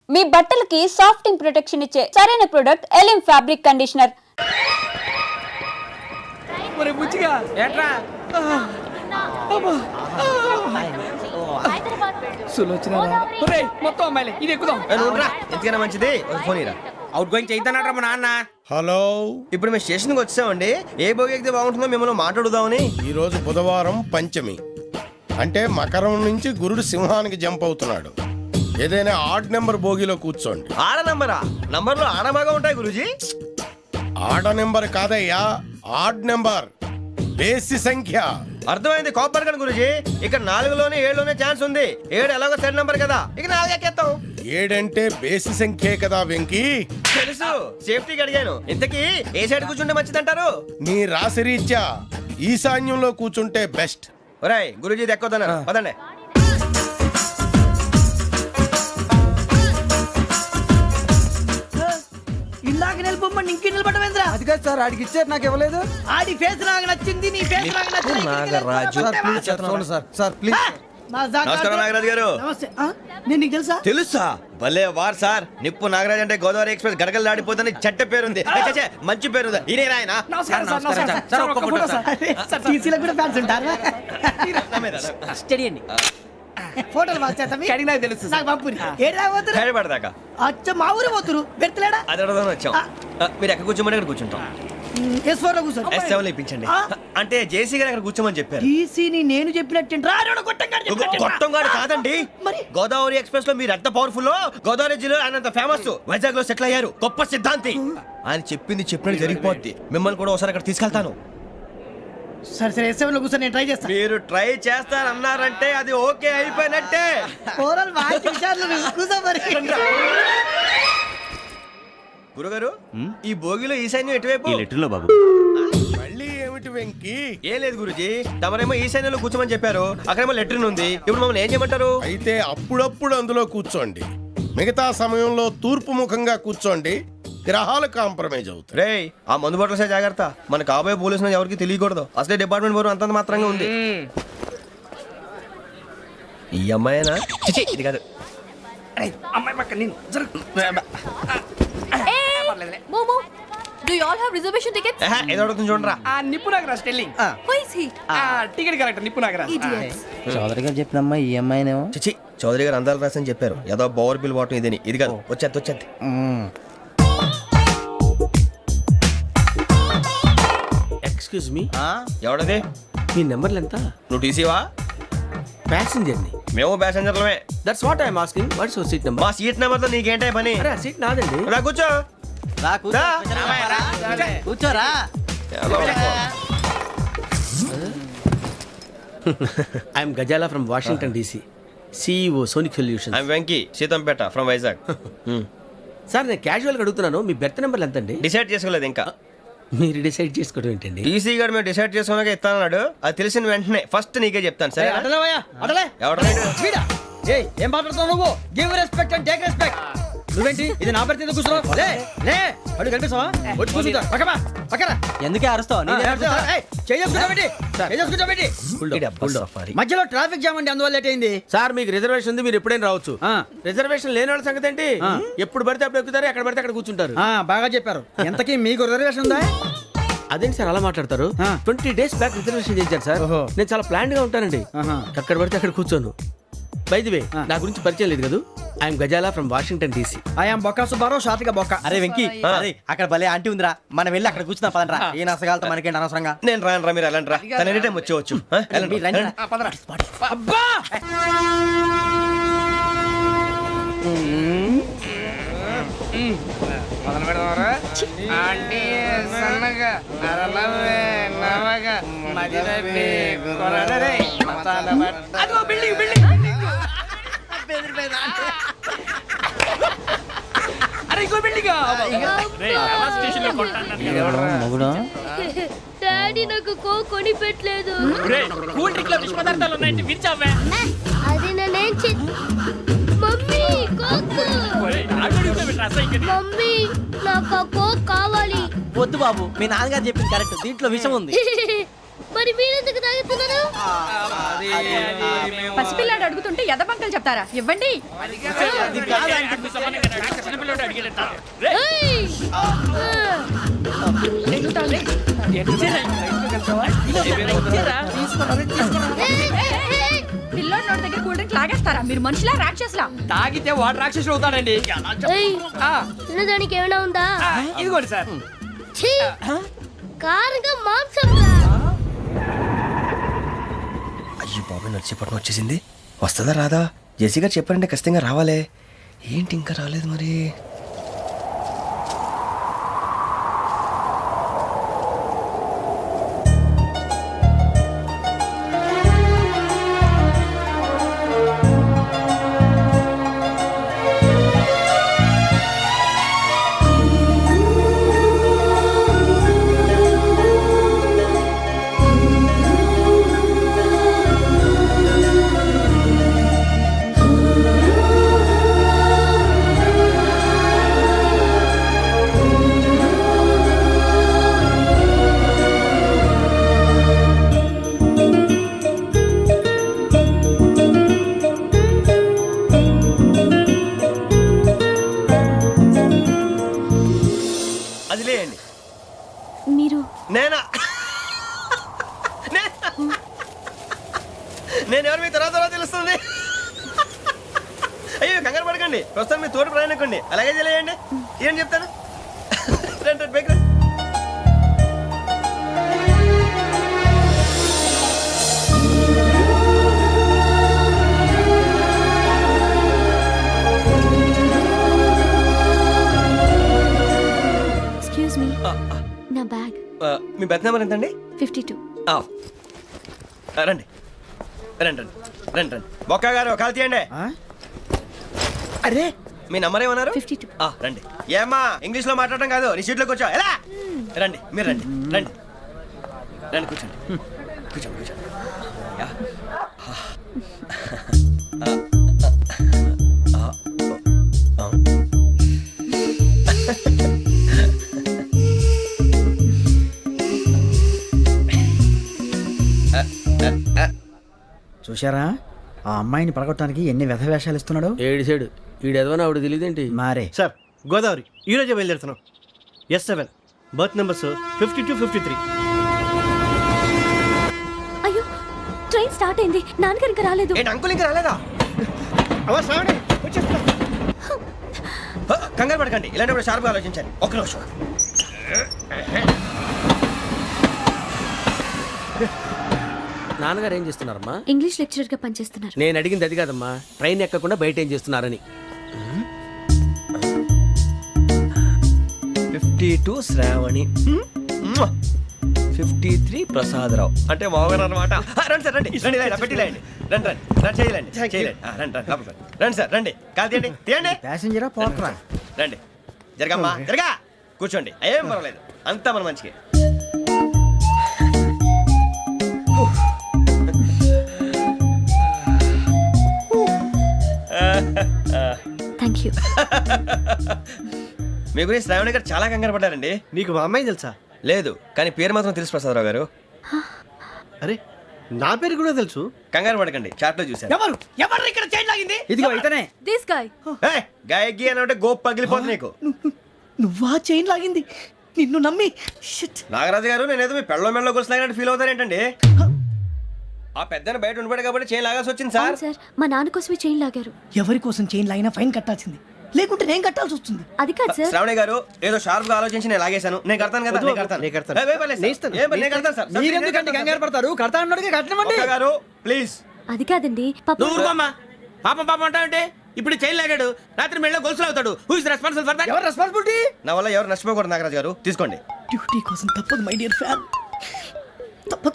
మీ బట్టలకి సాఫ్టింగ్ ప్రొటెక్షన్ ఇచ్చే సరైన ప్రొడక్ట్ ఎలిమ్ ఫ్యాబ్రిక్ కండిషనర్. మంచిది అవుట్ గోయింగ్ చేద్దానట్రా మా నాన్న. హలో, ఇప్పుడు మేము స్టేషన్కి వచ్చామండి. ఏ బోగి ఎక్కితే బాగుంటుందో మిమ్మల్ని మాట్లాడుదామని. ఈ రోజు బుధవారం పంచమి, అంటే మకరం నుంచి గురుడు సింహానికి జంప్ అవుతున్నాడు. ఏదైనా ఆడ్ నెంబర్ బోగిలో కూర్చోండి. ఆడ నంబరా? నంబర్లు ఆడ బాగా ఉంటాయి గురూజీ. ఆడ నెంబర్ కాదయ్యా, ఆడ్ నెంబర్, బేసి సంఖ్య. అర్థమైంది కాపర్ కానీ గురూజీ. ఇక్కడ 4లోనే 7లోనే ఛాన్స్ ఉంది. 7 ఎలాగో సెడ్ నంబర్ కదా, ఇక 4 ఎక్కేస్తాం. 7 అంటే బేసి సంఖ్యే కదా వెంకీ. తెలుసు, సేఫ్టీకి అడిగాను. ఇంతకీ ఏ సైడ్ కూర్చుంటే మంచిదంటారు? నీ రాశి రీత్యా ఈశాన్యంలో కూర్చుంటే బెస్ట్. ఒరేయ్ గురూజీ దెక్కొద్దన్నారు, పదండి. ఇందాక నిలబొమ్మని ఇంకే నిలబడమేంద్రా? అది కాదు సార్, ఆడికి ఇచ్చారు, నాకు ఇవ్వలేదు. ఆడి ఫేస్ నాకు నచ్చింది, నీ ఫేస్ నాకు నచ్చింది. నాగరాజు. Sir please. నమస్కారం నాగరాజు గారు. నమస్తే. నేను నీకు తెలుసా? తెలుసా? భలే వార్ సార్. నిప్పు నాగరాజ్ అంటే గోదావరి ఎక్స్ప్రెస్ గడగలు దాడిపోతుంది చెట్ట పేరుంది. మంచి పేరు. ఇదే ఆయన. నమస్కారం సార్. నమస్కారం సార్. ఒక్క ఫోటో సార్. టీసీలో కూడా ఫ్యాన్స్ ఉంటారా? స్టడీ అండి. ఫోటోలు మార్చేస్తాం. కడిగినా తెలుసు. నాకు పంపుని. ఏడా పోతురు? హైదరాబాద్ అచ్చ మా ఊరు పోతురు. పెడతలేడా? అది అడగదామని వచ్చాం. మీరు ఎక్కడ కూర్చోమని అక్కడ కూర్చుంటాం. S4 లో కూర్చో. S7 ఇప్పించండి. అంటే జేసీ గారు అక్కడ కూర్చోమని చెప్పారు. టీసీని నేను చెప్పినట్టు రాడు గొట్టంగాడు కాదండి. మరి గోదావరి ఎక్స్ప్రెస్ లో మీరు ఎంత పవర్ఫుల్, గోదావరి జిల్లా ఆయన ఫేమస్, వైజాగ్ లో సెటిల్ అయ్యారు, గొప్ప సిద్ధాంతి. ఆయన చెప్పింది చెప్పినట్టు జరిగిపోద్ది. మిమ్మల్ని కూడా ఒకసారి అక్కడ తీసుకెళ్తాను. సరే సరే, S7 లో కూర్చొని నేను ట్రై చేస్తాను. మీరు ట్రై చేస్తారన్నారంటే అది ఓకే అయిపోయినట్టే. ఓరల్ వాయిస్ విషయాలు కూర్చో మరి. గురుగారు, ఈ భోగిలో ఈశాన్యం ఎటువైపు? బాబు మళ్ళీ ఏమిటి వెంకీ? ఏం లేదు గురుజీ, తమరేమో ఈశాన్యంలో కూర్చోమని చెప్పారు. అక్కడేమో లెట్రిన్ ఉంది. ఇప్పుడు మమ్మల్ని ఏం చేయమంటారు? అయితే అప్పుడప్పుడు అందులో కూర్చోండి, మిగతా సమయంలో తూర్పు ముఖంగా కూర్చోండి. గ్రహాలు కాంప్రమైజ్ అవుతాయి. రేయ్, ఆ మందు బట్టలసే జాగ్రత్త. మన కాబోయే పోలీసులు ఎవరికి తెలియకూడదు. అసలే డిపార్ట్మెంట్ బోరు అంతంత మాత్రంగా ఉంది. ఈ అమ్మాయినా? చిచి, ఇది కాదు. అమ్మాయి పక్క నేను Momo, do you all have reservation tickets? ఏదో అడుగుతుంది చూడరా. నిప్పు Nagaraj telling. Who is he? Ticket correct. నిప్పు నాగరాజ్. Idiots. చౌదరి గారు చెప్పినమ్మా ఈ అమ్మాయినేమో. చిచి, చౌదరి గారు అందాలు రాసని చెప్పారు. ఏదో బోర్ బిల్ వాటం ఇదని. ఇది కాదు, వచ్చేది. Excuse me, ఎవడది? మీ నెంబర్లు ఎంత? నువ్వు టీసీవా? ప్యాసింజర్ ని. మేము ప్యాసెంజర్లమే. That's what I'm asking. What's your seat number? మా సీట్ నెంబర్ తో నీకేంటే పని? అరే ఆ సీట్ నాదండి. రా కూర్చో. రా. కూర్చోరా. I'm Ghazala from Washington DC, CEO Sonic Solutions. I'm Venky, Seethampeta from Vizag. Sir నేను క్యాజువల్ గా అడుగుతున్నాను, మీ బెర్త్ నెంబర్లు ఎంత అండి? డిసైడ్ చేసుకోలేదు ఇంకా. మీరు డిసైడ్ చేసుకోవడం ఏంటండి? టీసీ గారు మేము డిసైడ్ చేసుకున్నాక ఇస్తానన్నాడు. అది తెలిసిన వెంటనే ఫస్ట్ నీకే చెప్తాను. సరే? ఏం మాట్లాడుతున్నావు నువ్వు? Give respect and take respect. నువ్వేంటి ఇది నా పరిస్థితి కూర్చున్నావు? లే అడుగు కనిపిస్తావా? వచ్చి కూర్చుంటా. పక్కరా. ఎందుకే అరుస్తావు? మధ్యలో ట్రాఫిక్ జామ్ అండి, అందువల్ల లేట్ అయింది. సార్ మీకు రిజర్వేషన్ ఉంది, మీరు ఎప్పుడైనా రావచ్చు. రిజర్వేషన్ లేని వాళ్ళ సంగతి ఏంటి? ఎప్పుడు పడితే అప్పుడు ఎక్కుతారు, ఎక్కడ పడితే అక్కడ కూర్చుంటారు. బాగా చెప్పారు. ఎంతకీ మీకు రిజర్వేషన్ ఉందా? అదేంటి సార్ అలా మాట్లాడతారు? 20 days బ్యాక్ రిజర్వేషన్ చేశారు సార్. నేను చాలా ప్లాన్డ్ గా ఉంటానండి. ఎక్కడ పడితే అక్కడ కూర్చోను. బై ది వే, నా గురించి పరిచయం లేదు కదా. I'm Ghazala from Washington DC. I'm Bokka Subbarao, షార్ట్గా బొక్క. అరే వెంకీ, అక్కడ భలే ఆంటీ ఉందిరా, మనం వెళ్ళి అక్కడ కూర్చున్నా పదనరా. ఏ నసగాలతో మనకేంటి అనవసరంగా. నేను రాను, మీరు ఎలాంటి రా. తన ఎనీ టైం వచ్చేవచ్చు. అబ్బా మొదలు పెడదామరా? ఆంటీ సన్నగా అరలవే నవగా మదిరపి కొరడరే మతాల బట్ట. అదిగో బిల్డింగ్ బిల్డింగ్. అరే ఇంకో బిల్డింగ్. డాడీ నాకు కోక్ కొని పెట్టలేదు. కూల్ డ్రింక్ లో విష పదార్థాలు ఉన్నాయంటే విరిచావే. అది నేనేం మమ్మీ కోక్. మమ్మీ నాకు ఆ కోక్ కావాలి. వద్దు బాబు, మీ నాన్నగారు చెప్పింది కరెక్ట్, దీంట్లో విషయం ఉంది. మరి మీరెందుకు తాగుతున్నారు? పసిపిల్లాడు అడుగుతుంటే ఎదబంకలు చెప్తారా? ఇవ్వండి. ఏయ్! పిల్లోడి నోటి దగ్గర కూల్ డ్రింక్ లాగేస్తారా? మీరు మనుషులా రాక్షసులా? తాగితే వాడు రాక్షసుడు అవుతాడండి. ఏయ్! తినడానికి ఏమైనా ఉందా? ఇదిగోండి సార్. ఛీ! కారంగా మాంసం రా. అయ్యి బాబాయ్ నడిచేపట్నం వచ్చేసింది. వస్తుందా రాదా? జెసి గారు చెప్పారంటే ఖచ్చితంగా రావాలే. ఏంటి ఇంకా రాలేదు మరి? అది లేయండి. మీరు నేనా? నేను ఎవరు మీ తర్వాత తెలుస్తుంది. అయ్యో కంగారు పడకండి, ప్రస్తుతం మీ తోటి ప్రయాణకండి. అలాగే తెలియండి. ఏం చెప్తాను? రండి రండి, బైక్ రండి. ఎక్స్క్యూజ్ మీ, నా బ్యాగ్. మీ బెత్ నెంబర్ ఎంతండి? 52. రండి రండి రండి రండి రండి. బొక్క గారు కాల్ తీయండి. అరే మీ నంబర్ ఏమన్నారు? 52. రండి. ఏమ్మా ఇంగ్లీష్ లో మాట్లాడడం కాదు, నీ సీట్లో కూర్చో. ఎలా? రండి మీరు రండి రండి రండి, కూర్చోండి కూర్చోండి కూర్చోండి. యా. చూశారా ఆ అమ్మాయిని పడగొట్టడానికి ఎన్ని వ్యధ వేషాలు ఇస్తున్నాడు. ఏడు సైడు ఈడెదవని ఆవిడ తెలియదేంటి? మారే సార్ గోదావరి ఈరోజే బయలుదేరుతున్నాం. S7 berth numbers 52, 53. అయ్యో, ట్రైన్ స్టార్ట్ అయింది. నాన్నగారు ఇంకా రాలేదు. ఏంటి అంకుల్ ఇంకా రాలేదా? కంగారు పడకండి, ఇలాంటప్పుడు షార్ప్గా ఆలోచించండి. ఒక్క నిమిషం. నాన్నగారు ఏం చేస్తున్నారమ్మా? ఇంగ్లీష్ లెక్చరర్ గా పనిచేస్తున్నారు. నేను అడిగింది అది కాదమ్మా, ట్రైన్ ఎక్కకుండా బయట ఏం చేస్తున్నారని. 52 శ్రావణి, 53 ప్రసాదరావు అంటే మామగారు అనమాట. రండి సార్ రండి రండి, ఇలా పెట్టి లేండి. రండి రండి రండి, చేయలేండి చేయలేండి. రండి రండి లోపలికి రండి. రండి సార్ రండి, కాల్ తీయండి తీయండి. ప్యాసింజరా పోట్రా. రండి జరగమ్మా జరగా, కూర్చోండి. ఏం పర్వాలేదు, అంతా మన మంచికి. Thank you. మీ గురించి శ్రావణి గారు చాలా కంగారు పడ్డారండి. నీకు మా అమ్మాయి తెలుసా? లేదు, కానీ పేరు మాత్రం తెలుసు ప్రసాదరావు గారు. అరే నా పేరు కూడా తెలుసు. కంగారు పడకండి, చాట్ లో చూశాను. ఎవరు ఎవరు ఇక్కడ చైన్ లాగింది? ఇదిగో ఇతనే. This guy. గాయకి అని అంటే గోప్ పగిలిపోతుంది నీకు. నువ్వా చైన్ లాగింది? నిన్ను నమ్మి షిట్. నాగరాజు గారు, నేనేదో మీ పెళ్ళ మెళ్ళ గురిసిలాగినట్టు ఫీల్ అవుతారేంటండి? ఆ పెద్దని బయట ఉండిపోయాడు కాబట్టి చేయి లాగాల్సి వచ్చింది సార్. సార్, మా నాన్న కోసమే చైన్ లాగారు. ఎవరి కోసం చైన్ లాగినా ఫైన్ కట్టాల్సింది, లేకుంటే నేను కట్టాల్సి వస్తుంది. అది కాదు సార్. శ్రావణి గారు, ఏదో షార్ప్ గా ఆలోచించి నేను లాగేశాను. నేను కడతాను కదా, నేను కడతాను. నేను కడతాను. ఏ, పర్లేదు సార్. నేను ఇస్తాను. ఏ, నేను కడతాను సార్. మీరెందుకంటే కంగారు పడతారు? కడతా అన్నాడుగా కట్టమండి. ఒక్క గారు ప్లీజ్. అది కాదండి, నువ్వు ఊరుకోమ్మా. పాపం పాపం అంటావంటే? ఇప్పుడు చైన్ లాగాడు, రాత్రి మెళ్ళ గొలుసులు అవుతాడు. Who is responsible for that? ఎవరు రెస్పాన్సిబిలిటీ? నా వల్ల ఎవరు నష్టపోకూడదు నాగరాజు గారు, తీసుకోండి. డ్యూటీ కోసం తప్పదు మై డియర్ ఫ్యాన్, తప్పదు.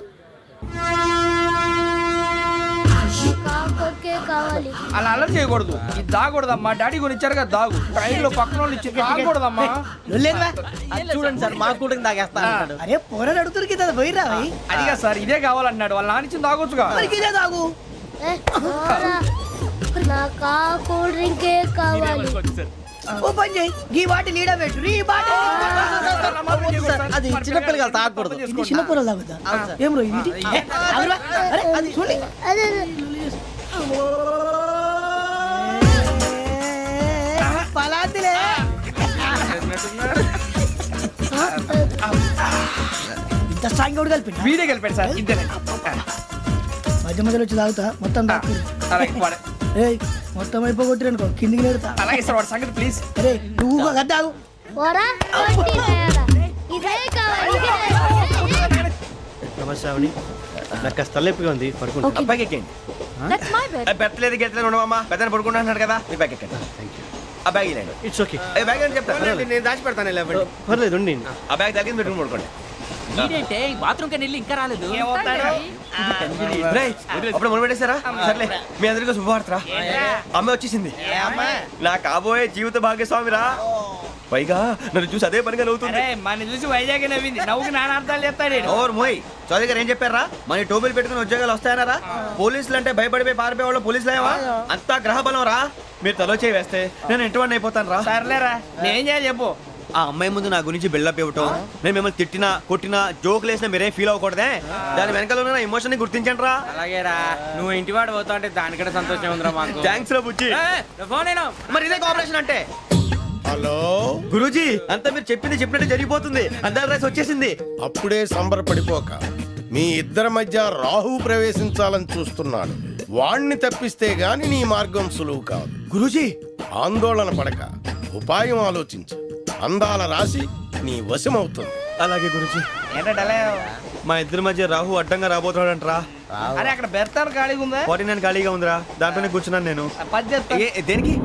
కాకొక్కే కావాలి. అలా అలర్ చేయకూడదు. ఇది దాగకూడదమ్మా. డాడీ కొని ఇచ్చారు కదా దాగు. ట్రైన్ లో పక్కన వాళ్ళు ఇచ్చి దాగకూడదమ్మా. చూడండి సార్, మా కూడా తాగేస్తా అంటాడు. అరే పోరాడు అడుగుతారు కదా, పోయిరా. అదిగా సార్, ఇదే కావాలన్నాడు. వాళ్ళ నాన్న ఇచ్చింది తాగొచ్చుగా. ఇదే తాగు. ఏ, పోరా. నాకు ఆ కూల్ డ్రింకే కావాలి. ఓ పని చేయి ఈ బాటిల్ లీడ పెట్టు ఈ బాటిల్ అది చిన్నపిల్లలు తాగకూడదు. ఇది చిన్న పొరలు తాగుతా ఏం రో ఇది ఏ, ఆగురా. అరే అది చూడండి అదే పలాతిలే ఇంత స్ట్రాంగ్ కూడా కలిపి వీడే కలిపాడు సార్ ఇద్దరే మధ్య మధ్యలో వచ్చి తాగుతా మొత్తం తాగు అలాగే వాడు- ఏయ్ మొత్తం అయిపోగొట్టిరనుకో కిందికి నేడుతా అలాగే సార్ వాడు సంగతి ప్లీజ్ అరే నువ్వు గద్దాగు పోరా కొట్టి తయారా. ఇదే కావాలి ఇదే. నమస్తే శ్రావణి నాకు కాస్త తలెప్పిగా ఉంది పడుకుంటా అబ్బాయికి ఎక్కండి That's my bed. పెట్టలేదు గెట్టలేదు ఉండమమ్మా పెద్దని పడుకుంటున్నాడు కదా మీ బ్యాగ్ ఎక్కండి ఆ బ్యాగ్ ఇలాండి ఇట్స్ ఓకే ఏ బ్యాగ్ అని చెప్తాను నేను దాచి పెడతాను లేవండి పర్లేదు ఉండి ఆ బ్యాగ్ తగ్గింది పెట్టుకుని పడుకోండి బాత్రూమ్ కి వెళ్ళి ఇంకా రాలేదు రేయ్, అప్పుడు మొదలు పెట్టేశారా సర్లే మీ అందరికీ శుభవార్తరా అమ్మ వచ్చేసింది నా కాబోయే జీవిత భాగ్యస్వామిరా పైగా నన్ను చూసి అదే పనిగా నవ్వుతుంది మన చూసి వైజాగ్ నవ్వింది నవ్వుకి నాన్న అర్థాలు చెప్తాడు ఓర్ మోయ్ చౌదరి గారు ఏం చెప్పారా మన టోబీలు పెట్టుకుని ఉద్యోగాలు వస్తాయనరా పోలీసులు అంటే భయపడిపోయి పారిపోయే వాళ్ళు పోలీసులు ఏవా అంతా గ్రహ బలం రా మీరు తలో చేయి వేస్తే నేను ఇంటివాడిని అయిపోతాను రా సర్లేరా నేనేం చేయాలి చెప్పు ఆ అమ్మాయి ముందు నా గురించి బిల్డప్ ఇవ్వటం నేను మిమ్మల్ని తిట్టినా కొట్టినా జోకులు వేసినా మీరేం ఫీల్ అవ్వకూడదే దాని వెనకాల ఉన్న ఎమోషన్ ని గుర్తించండి రా అలాగేరా నువ్వు ఇంటివాడు పోతా అంటే దానికంటే సంతోషం ఉందిరా మాకు థ్యాంక్స్ రా బుజ్జి ఫోన్ అయినా మరి ఇదే కోఆపరేషన్ అంటే హలో గురూజీ అంతా మీరు చెప్పింది చెప్పినట్టు జరిగిపోతుంది అందరి రైస్ వచ్చేసింది అప్పుడే సంబరపడిపోక మీ ఇద్దరి మధ్య రాహు ప్రవేశించాలని చూస్తున్నాడు వాణ్ణి తప్పిస్తే గాని నీ మార్గం సులువు కాదు గురూజీ ఆందోళన పడక ఉపాయం ఆలోచించు అందాల రాశి నీ వశమవుతుంది అలాగే గురూజీ ఏంటంటే మా ఇద్దరి మధ్య రాహు అడ్డంగా రాబోతున్నాడంట్రా అరే అక్కడ బెర్తాను ఖాళీగా ఉందా 49 ఖాళీగా ఉందిరా దాంట్లోనే కూర్చున్నాను నేను పది చెప్తా దేనికి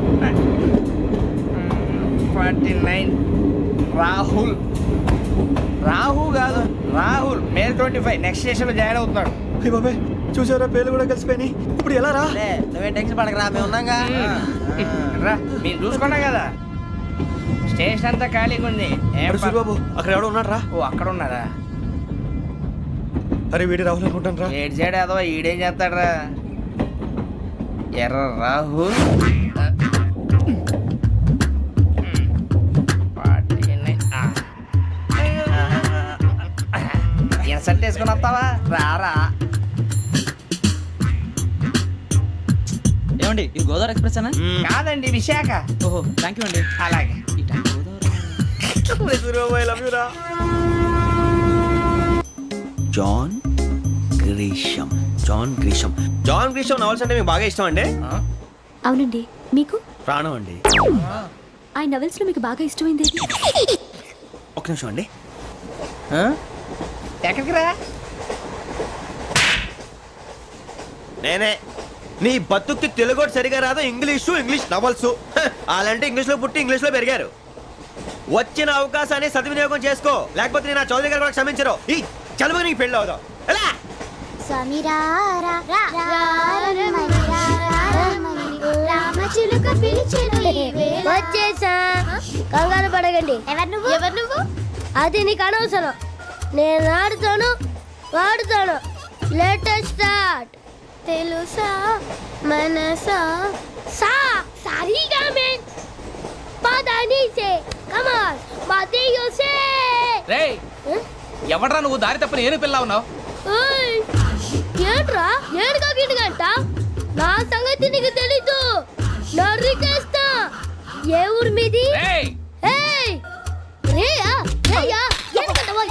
49 రాహుల్ రాహు కాదు రాహుల్ మే 25 నెక్స్ట్ స్టేషన్ లో జాయిన్ అవుతున్నాడు అయ్య బాబాయ్ చూసారా పేర్లు కూడా కలిసిపోయినాయి ఇప్పుడు ఎలా రా నువ్వేం టెన్షన్ పడకరా మేము ఉన్నాగా రా మీరు చూసుకున్నా కదా స్టేషన్ అంతా ఖాళీగా ఉంది ఏం అరే సూరిబాబు అక్కడ ఎవడో ఉన్నాడు రా ఓ అక్కడ ఉన్నారా అరే వీడి రాహుల్ అనుకుంటాను రా ఏడు సైడ్ ఏదో ఈడేం చేస్తాడరా ఎర్ర రాహుల్ ఇన్సల్ట్ వేసుకుని వస్తావా రారా ఏమండి ఇది గోదావరి ఎక్స్ప్రెస్ అనా కాదండి విశాఖ ఓహో థ్యాంక్ యూ అండి అలాగే సూరిబాబు ఐ లవ్ యు రా John Grisham John Grisham novels అంటే మీకు బాగా ఇష్టం అండి అవునండి మీకు ప్రాణం అండి ఆ నవెల్స్ లో మీకు బాగా ఇష్టమైంది ఏది? ఒక్క నిమిషం అండి ఎక్కడికి రా నేనే నీ బతుక్కి తెలుగు సరిగా రాదు ఇంగ్లీష్ నవల్స్ అలాంటి ఇంగ్లీష్లో పుట్టి ఇంగ్లీష్లో పెరిగారు వచ్చిన అవకాశాన్ని సద్వినియోగం చేసుకో లేకపోతే నేను నా చౌదరి గారు కూడా క్షమించరు ఈ చదువు నీకు పెళ్ళి అవుదాం ఎలా సమీరారా రామచిలుక వచ్చేసా కంగారు పడగండి ఎవరు నువ్వు అది నీకు అనవసరం నేను ఆడుతాను వాడుతాను లేటెస్ట్ స్టార్ట్ తెలుసా మనసా సా సారీగా మెన్ పదని సే కమాన్ మదియో సే రేయ్ ఎవడ్రా నువ్వు దారి తప్పని ఏను పిల్ల ఉన్నావు ఓయ్ ఏంట్రా ఏడుగా గిడుగంట నా సంగతి నీకు తెలీదు నరికేస్తా ఏ ఊరు మీది రేయ్ ఏయ్ రేయా రేయా ఏడుగంటవా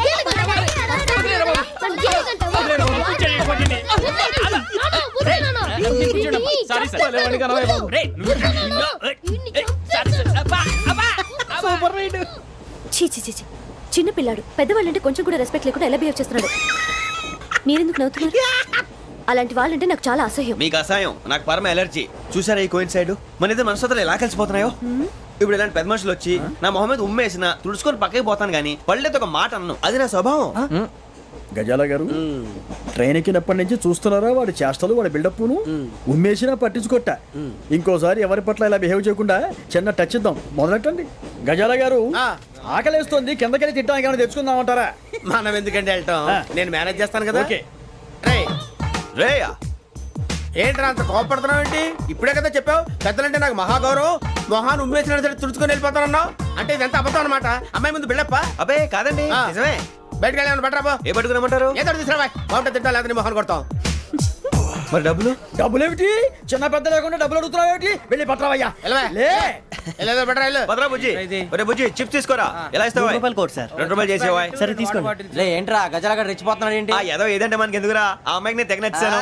చీ చీ చీ చీ. చిన్న పిల్లాడు పెద్దవాళ్ళంటే కొంచెం కూడా రెస్పెక్ట్ లేకుండా ఎలా బిహేవ్ చేస్తున్నాడు మీరెందుకు నవ్వుతున్నారు అలాంటి వాళ్ళంటే నాకు చాలా అసహ్యం మీకు అసహాయం నాకు పరమ ఎలర్జీ చూసారా ఈ కోయిన్ సైడ్ మన ఇద్దరు మనసులు ఎలా కలిసిపోతున్నాయో ఇప్పుడు ఇలాంటి పెద్ద మనుషులు వచ్చి నా మొహం మీద ఉమ్మేసిన తుడుచుకొని పక్కకి పోతాను కానీ పళ్ళేతో ఒక మాట అన్ను అది నా స్వభావం గజాల గారు ట్రైన్ ఎక్కినప్పటి నుంచి చూస్తున్నారా వాడి చేష్టలు వాడి బిల్డప్ను ఉమ్మేసినా పట్టించుకోట ఇంకోసారి ఎవరి పట్ల ఇలా బిహేవ్ చేయకుండా చిన్న టచ్ ఇద్దాం మొదలెట్టండి గజాల గారు ఆకలేస్తోంది కిందకెళ్ళి తిట్టడానికి ఏమైనా తెచ్చుకుందామంటారా మనం ఎందుకంటే వెళ్తాం నేను మేనేజ్ చేస్తాను కదా ఓకే రేయా ఏంట్రా అంత కోపడుతున్నావు ఏంటి? ఇప్పుడే కదా చెప్పావు పెద్దలంటే నాకు మహాగౌరవం, మొహాన్ని ఉమ్మేసిన సరే తుడుచుకొని వెళ్ళిపోతానన్నావు. అంటే ఇదంతా అబద్ధం అనమాట. అమ్మాయి ముందు బిళ్ళప్ప. అబ్బే కాదండి, ఆ. నిజమే. బయటకు వెళ్ళి బట్రాబో. ఏ పట్టుకురమ్మంటారు? ఏదో తీసుకురా బాగుంటుంది తింటా, లేదా నీ మొహాన్ని కొడతాం. మరి డబ్బులు? డబ్బులు ఏమిటి? చిన్న పెద్ద లేకుండా డబ్బులు అడుగుతున్నావు ఏమిటి? వెళ్ళి పట్టరావయ్యా. వెళ్ళవా? లే వెళ్ళేదో బట్రా వెళ్ళు. భద్రా బుజ్జి, ఒరే బుజ్జి చిప్స్ తీసుకోరా. ఎలా ఇస్తావా? రూపాయలు కోట్ సార్. 2 రూపాయలు చేసేవా? సరే తీసుకోండి. లే ఏంట్రా గజాల రెచ్చిపోతున్నాడు ఏంటి? ఆ ఏదో ఏదంటే మనకి ఎందుకురా, ఆ అమ్మాయికి నేను తెగ నచ్చాను.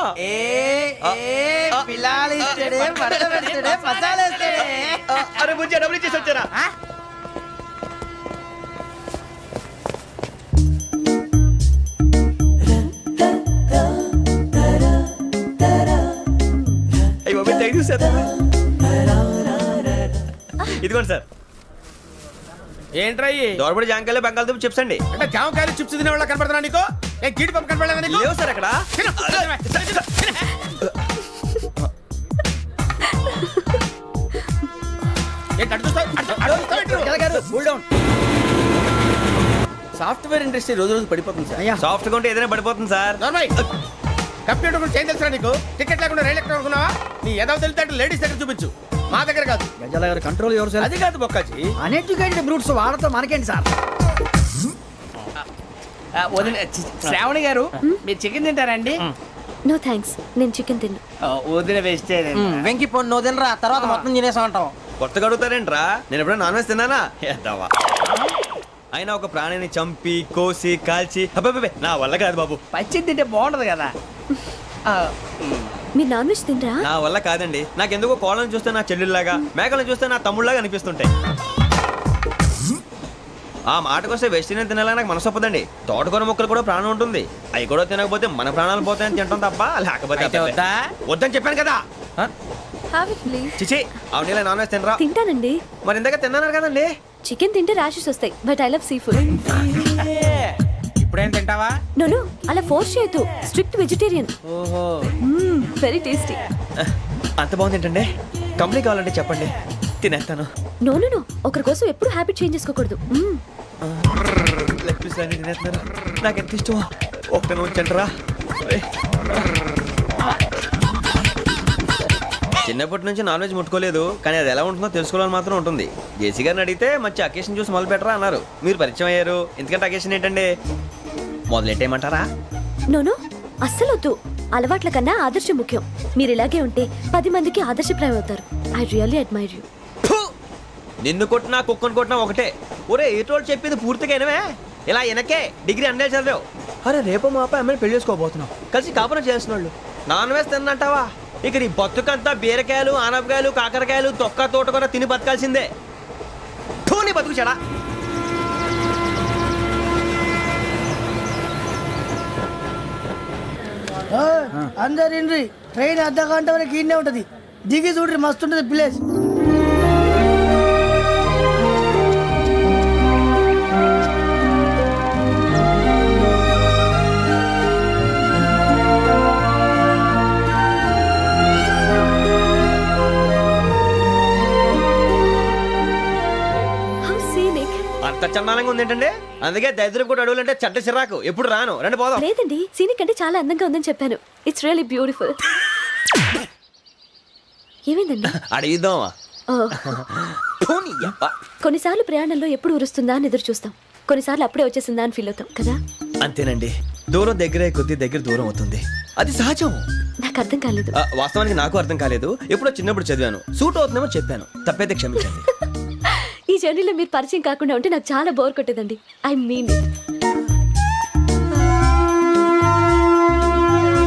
అరే బుజ్జి డబ్బులు ఇచ్చేసి వచ్చారా? అయ్యి బాబు థ్యాంక్ యూ సార్. ఇదిగోండి సార్. ఏంట్రా ఇయి? దోరబడి జాంకాయలు బంగాళదుంప చిప్స్ అండి. అంటే జామకాయలు చిప్స్ తినే వాళ్ళ కనపడుతున్నా నీకు? ఏ గీడి పంపు కనపడలేదా నీకు? లేవు సార్ అక్కడ. తిను, తిను, తిను. ఏంటి అటు చూస్తావు? అటు చూస్తావు ఏంటి? సాఫ్ట్వేర్ ఇండస్ట్రీ రోజు రోజు పడిపోతుంది సార్. సాఫ్ట్ గా ఉంటే ఏదైనా పడిపోతుంది సార్. నార్మల్ కంప్యూటర్ గురించి ఏం తెలుసా నీకు? టికెట్ లేకుండా రైలు ఎక్కడ అనుకున్నావా? నీ ఏదో తెలితే లేడీస్ దగ్గర చూపించు, మా దగ్గర కాదు. గజాల గారు కంట్రోల్ ఎవరు సార్? అది కాదు బొక్కాజీ. అన్ఎడ్యుకేటెడ్ బ్రూట్స్ వాళ్ళతో మనకేంటి సార్? శ్రావణి గారు మీరు చికెన్ తింటారండి? నో థ్యాంక్స్, నేను చికెన్ తిన్నా. వదిన వేస్తే వెంకి పొన్ను నువ్వు తినరా, తర్వాత మొత్తం తినేసా ఉంటాం. కొత్తగా అడుగుతారేంట్రా? నేను ఎప్పుడైనా నాన్ వెజ్ తిన్నానా? ఎద్దావా. అయినా ఒక ప్రాణిని చంపి కోసి కాల్చి అబ్బబ్బే నా వల్ల కాదు బాబు. పచ్చి తింటే బాగుంటది కదా. మీరు నాన్ వెజ్ తినరా? నా వల్ల కాదండి. నాకెందుకో కోళ్ళని చూస్తే నా చెల్లెళ్ళలాగా, మేకలను చూస్తే నా తమ్ముళ్ళలాగా అనిపిస్తుంటాయి. ఆ మాటకొస్తే వెస్టిరియన్ తినాలని నాకు మనసు ఒప్పదండి. తోటకూర మొక్కలు కూడా ప్రాణం ఉంటుంది. అవి కూడా తినకపోతే మన ప్రాణాలు పోతాయని తింటాం తప్ప లేకపోతే అబ్బబ్బే. వద్దని చెప్పాను కదా. చిచి అవునీ నాన్ వెజ్ తినరా? తింటానండి. మరి ఇందాక తిన్నాను కదండి. చికెన్ తింటే ర్యాషెస్ వస్తాయి, but I love sea food. ఇప్పుడేం తింటావా? నో అలా ఫోర్స్ చేయొద్దు. Strict vegetarian. ఓహో వెరీ టేస్టీ. అంత బాగుంది ఏంటండి? కంప్లీట్ కావాలంటే చెప్పండి, తినేస్తాను. నో ఒకరి కోసం ఎప్పుడు హ్యాబిట్ చేంజ్ చేసుకోకూడదు. లెగ్ పీస్ అన్ని తినేస్తున్నారు. నాకు ఎంత ఇష్టం. ఒక్క ఉంచండిరా. చిన్నప్పటి నుంచి నాన్ వెజ్ ముట్టుకోలేదు, కానీ అది ఎలా ఉంటుందో తెలుసుకోవాలని మాత్రం ఉంటుంది. జేసీ గారిని అడిగితే మంచి అకేషన్ చూసి మొదలు పెట్టరా అన్నారు. మీరు పరిచయం అయ్యారు, ఎందుకంటే అకేషన్ ఏంటండి? మొదలెట్టేయమంటారా? నో అస్సలు వద్దు. అలవాట్ల కన్నా ఆదర్శం ముఖ్యం. మీరు ఇలాగే ఉంటే 10 మందికి ఆదర్శప్రాయం అవుతారు. I really admire you. నిన్ను కొట్టినా కుక్కను కొట్టినా ఒకటే. ఒరే ఏటోళ్ళు చెప్పింది పూర్తిగా వినవే. ఇలా వెనకే డిగ్రీ అన్నే చదివావు. అరే రేపు మా అబ్బాయి అమ్మాయిని పెళ్లి చేసుకోబోతున్నావు, కలిసి కాపురం చేసిన వాళ్ళు నాన్ వెజ్ తిన్నంటావా? ఇక నీ బతుకంతా బీరకాయలు ఆనపకాయలు కాకరకాయలు తొక్క తోట కూడా తిని బతకాల్సిందే. నీ బతుకు చెడా. అందరు ఇండ్రి, ట్రైన్ అర్ధ గంట వరకు ఇన్నే ఉంటది. దిగి చూడ్రి, మస్తు ఉంటది ప్లేస్. అంత చందానంగా ఉంది ఏంటండి? అందుకే దరిద్రం కూడా అడవులు అంటే చెడ్డ చిరాకు. ఎప్పుడు రాను. రండి పోదాం. లేదండి, సీనిక్ అంటే చాలా అందంగా ఉందని చెప్పాను. It's really beautiful. ఏమైందండి? అడిగిద్దామా? కొన్నిసార్లు ప్రయాణంలో ఎప్పుడు ఉరుస్తుందా అని ఎదురు చూస్తాం, కొన్నిసార్లు అప్పుడే వచ్చేసిందా అని ఫీల్ అవుతాం కదా. అంతేనండి, దూరం దగ్గరే కొద్ది దగ్గర దూరం అవుతుంది. అది సహజం. నాకు అర్థం కాలేదు. వాస్తవానికి నాకు అర్థం కాలేదు. ఎప్పుడో చిన్నప్పుడు చదివాను, సూట్ అవుతుందేమో చెప్పాను. తప్పైతే క్షమించండి. ఈ జర్నీలో మీరు పరిచయం కాకుండా ఉంటే నాకు చాలా బోర్ కొట్టేదండి. I mean it.